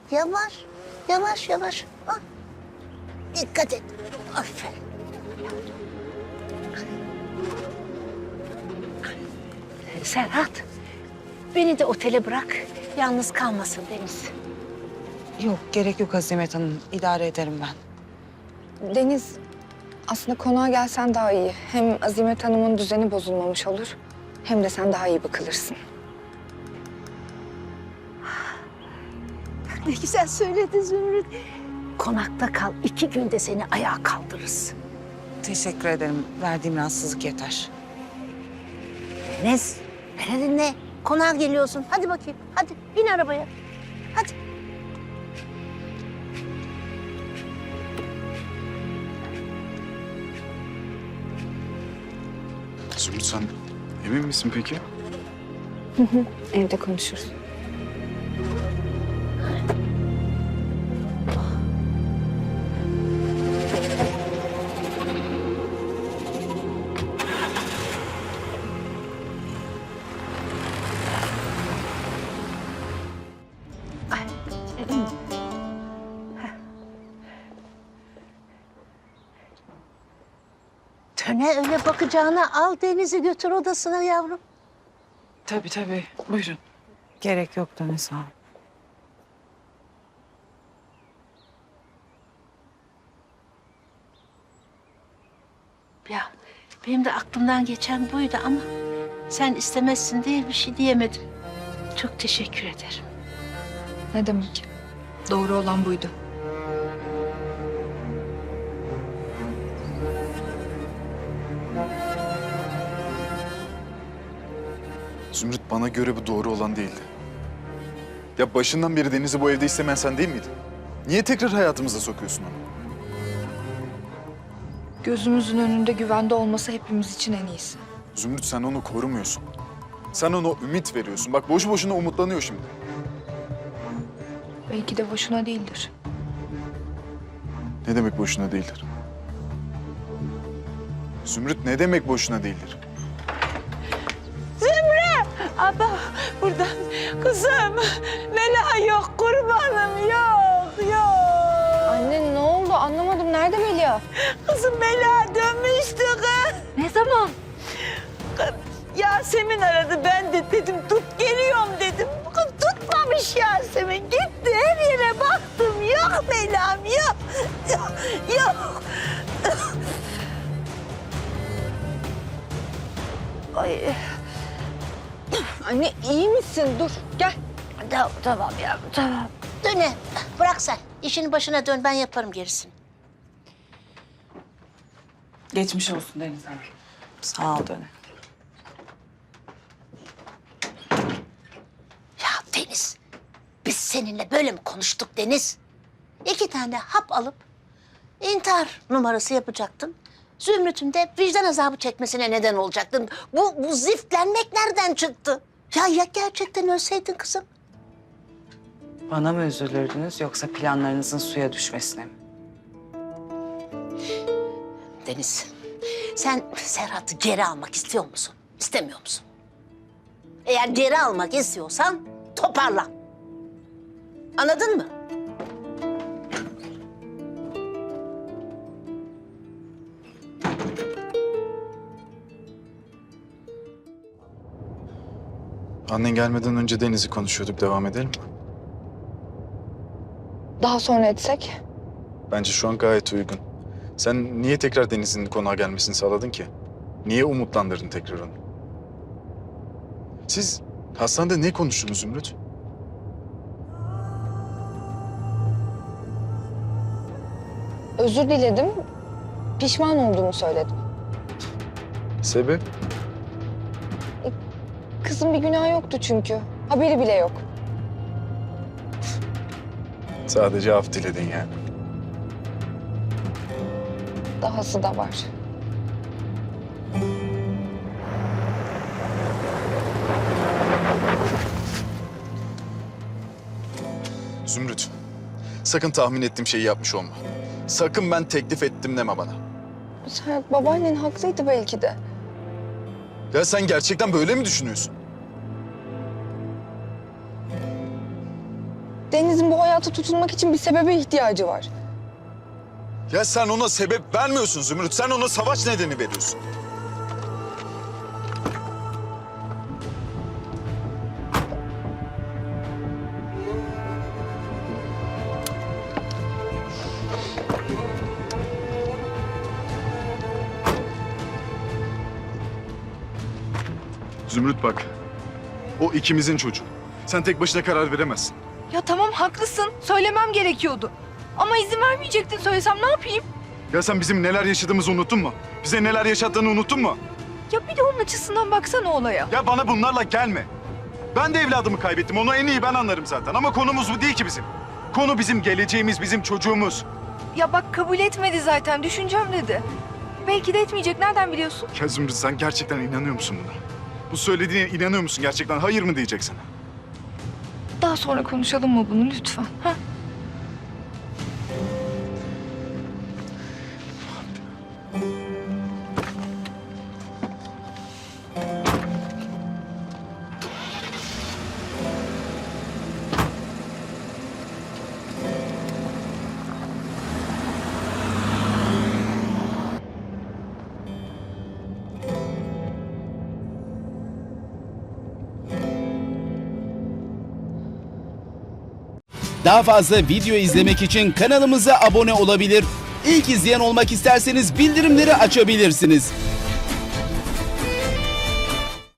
Yavaş, yavaş, yavaş. Ah. Dikkat et. Aferin. Serhat, beni de otele bırak. Yalnız kalmasın Deniz. Yok, gerek yok Azimet Hanım. İdare ederim ben. Deniz, aslında konağa gelsen daha iyi. Hem Azimet Hanım'ın düzeni bozulmamış olur. Hem de sen daha iyi bakılırsın. Ne güzel söyledin Zümrüt. Konakta kal, 2 günde seni ayağa kaldırırız. Teşekkür ederim. Verdiğim rahatsızlık yeter. Deniz, beni dinle. Konağa geliyorsun. Hadi bakayım, hadi bin arabaya. Hadi. Zümrüt sen emin misin peki? Evde konuşuruz. Töne öyle bakacağına al Deniz'i götür odasına yavrum. Tabii tabii. Buyurun. Gerek yok Deniz, sağ ol. Ya benim de aklımdan geçen buydu ama sen istemezsin diye bir şey diyemedim. Çok teşekkür ederim. Ne demek? Doğru olan buydu. Zümrüt bana göre bu doğru olan değildi. Ya başından beri Deniz'i bu evde istemeyen sen değil miydin? Niye tekrar hayatımıza sokuyorsun onu? Gözümüzün önünde güvende olması hepimiz için en iyisi. Zümrüt sen onu korumuyorsun. Sen ona ümit veriyorsun. Bak boşu boşuna umutlanıyor şimdi. Belki de boşuna değildir. Ne demek boşuna değildir? Zümrüt ne demek boşuna değildir? Abla buradan kızım. Mela yok, kurbanım yok, yok. Anne ne oldu? Anlamadım. Nerede Melia? Kızım Mela dönmüştü kız. Ne zaman? Yasemin aradı, ben de dedim tut geliyorum dedim. Kız tutmamış Yasemin, gitti her yere baktım. Yok Mela'm yok, yok. Ay. Anne iyi misin? Dur gel. Tamam yavrum, tamam. Döne, bırak sen. İşinin başına dön, ben yaparım gerisini. Geçmiş olsun Deniz Hanım. Sağ ol Döne. Ya Deniz, biz seninle böyle mi konuştuk Deniz? 2 tane hap alıp intihar numarası yapacaktın. Zümrüt'ün de vicdan azabı çekmesine neden olacaktın. Bu ziftlenmek nereden çıktı? Ya gerçekten ölseydin kızım? Bana mı üzülürdünüz yoksa planlarınızın suya düşmesine mi? Deniz, sen Serhat'ı geri almak istiyor musun? İstemiyor musun? Eğer geri almak istiyorsan toparlan. Anladın mı? Annen gelmeden önce Deniz'i konuşuyorduk. Devam edelim mi? Daha sonra etsek? Bence şu an gayet uygun. Sen niye tekrar Deniz'in konağa gelmesini sağladın ki? Niye umutlandırdın tekrar onu? Siz hastanede ne konuştunuz Zümrüt? Özür diledim. Pişman olduğumu söyledim. Sebep? Kızın bir günahı yoktu çünkü. Haberi bile yok. Sadece af diledin yani. Dahası da var. Zümrüt, sakın tahmin ettiğim şeyi yapmış olma. Sakın ben teklif ettim deme bana. Serhat, babaannen haklıydı belki de. Ya sen gerçekten böyle mi düşünüyorsun? Deniz'in bu hayata tutunmak için bir sebebe ihtiyacı var. Ya sen ona sebep vermiyorsun Zümrüt. Sen ona savaş nedeni veriyorsun. Zümrüt bak. O ikimizin çocuğu. Sen tek başına karar veremezsin. Ya tamam haklısın. Söylemem gerekiyordu. Ama izin vermeyecektin, söylesem ne yapayım? Ya sen bizim neler yaşadığımızı unuttun mu? Bize neler yaşattığını unuttun mu? Ya bir de onun açısından baksana olaya. Ya bana bunlarla gelme. Ben de evladımı kaybettim. Onu en iyi ben anlarım zaten. Ama konumuz bu değil ki bizim. Konu bizim geleceğimiz, bizim çocuğumuz. Ya bak kabul etmedi zaten, düşüneceğim dedi. Belki de etmeyecek, nereden biliyorsun? Ya Zümrüt sen gerçekten inanıyor musun buna? Bu söylediğine inanıyor musun gerçekten? Hayır mı diyecek sana? Daha sonra konuşalım mı bunu lütfen? Ha? Daha fazla video izlemek için kanalımıza abone olabilir. İlk izleyen olmak isterseniz bildirimleri açabilirsiniz.